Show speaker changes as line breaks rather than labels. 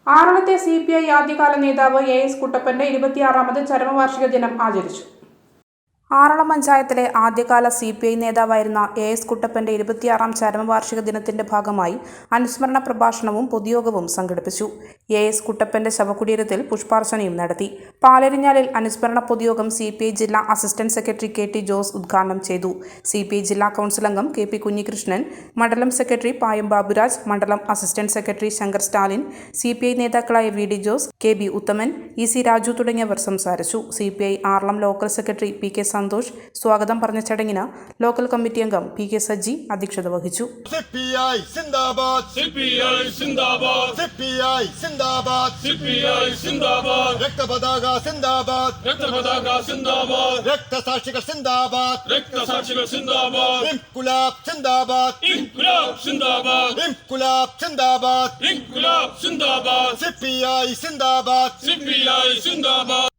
ആറളത്തെ CPI ആദ്യകാല നേതാവ് AS കുട്ടപ്പന്റെ 26ാമത് ചരമവാർഷിക ദിനം ആചരിച്ചു. ആറളം പഞ്ചായത്തിലെ ആദ്യകാല CPI നേതാവായിരുന്ന AS കുട്ടപ്പന്റെ 26ാം ചരമവാർഷിക ദിനത്തിന്റെ ഭാഗമായി അനുസ്മരണ പ്രഭാഷണവും പൊതുയോഗവും സംഘടിപ്പിച്ചു. AS കുട്ടപ്പന്റെ ശവകുടീരത്തിൽ പുഷ്പാർച്ചനയും നടത്തി. പാലരിഞ്ഞാലിൽ അനുസ്മരണ പൊതുയോഗം CPI ജില്ലാ അസിസ്റ്റന്റ് സെക്രട്ടറി KT ജോസ് ഉദ്ഘാടനം ചെയ്തു. CPI ജില്ലാ കൗൺസിൽ അംഗം KP കുഞ്ഞികൃഷ്ണൻ, മണ്ഡലം സെക്രട്ടറി പായം ബാബുരാജ്, മണ്ഡലം assistant secretary Shankar Stalin, CPI നേതാക്കളായ VD Jose, KB Uthaman, EC Raju തുടങ്ങിയവർ സംസാരിച്ചു. CPI Aralam local secretary PK Santhosh സ്വാഗതം പറഞ്ഞ ചടങ്ങിന് ലോക്കൽ കമ്മിറ്റി അംഗം PK സജ്ജി അധ്യക്ഷത വഹിച്ചു.
CPI സിന്ദാബാദ്, CPI സിന്ദാബാദ്, CPI സിന്ദാബാദ്, CPI സിന്ദാബാദ്, രക്തപതാക സിന്ദാബാദ്, രക്തപതാക സിന്ദാബാദ്, രക്തസാക്ഷികൾ സിന്ദാബാദ്, രക്തസാക്ഷികൾ സിന്ദാബാദ്, ഇൻകുലാബ് സിന്ദാബാദ്, ഇൻകുലാബ് സിന്ദാബാദ്, ഇൻകുലാബ് സിന്ദാബാദ്, ഇൻകുലാബ് സിന്ദാബാദ്, CPI സിന്ദാബാദ്, CPI സിന്ദാബാദ്.